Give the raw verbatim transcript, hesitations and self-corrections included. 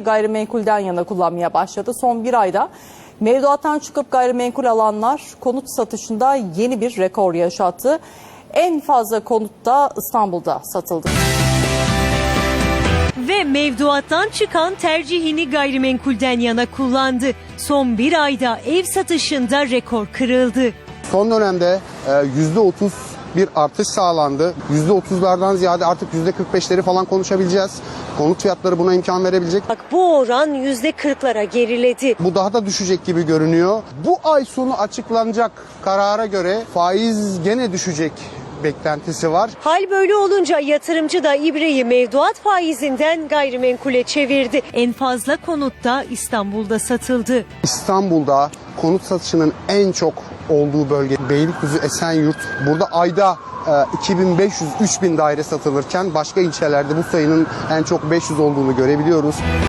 gayrimenkulden yana kullanmaya başladı. Son bir ayda mevduattan çıkıp gayrimenkul alanlar konut satışında yeni bir rekor yaşattı. En fazla konut da İstanbul'da satıldı. Ve mevduattan çıkan tercihini gayrimenkulden yana kullandı. Son bir ayda ev satışında rekor kırıldı. Son dönemde yüzde otuz bir artış sağlandı. yüzde otuzlardan ziyade artık yüzde kırk beşleri falan konuşabileceğiz. Konut fiyatları buna imkan verebilecek. Bak bu oran yüzde kırklara geriledi. Bu daha da düşecek gibi görünüyor. Bu ay sonu açıklanacak karara göre faiz gene düşecek beklentisi var. Hal böyle olunca yatırımcı da ibreyi mevduat faizinden gayrimenkule çevirdi. En fazla konut da İstanbul'da satıldı. İstanbul'da konut satışının en çok olduğu bölge Beylikdüzü, Esenyurt. Burada ayda iki bin beş yüz üç bin daire satılırken başka ilçelerde bu sayının en çok beş yüz olduğunu görebiliyoruz.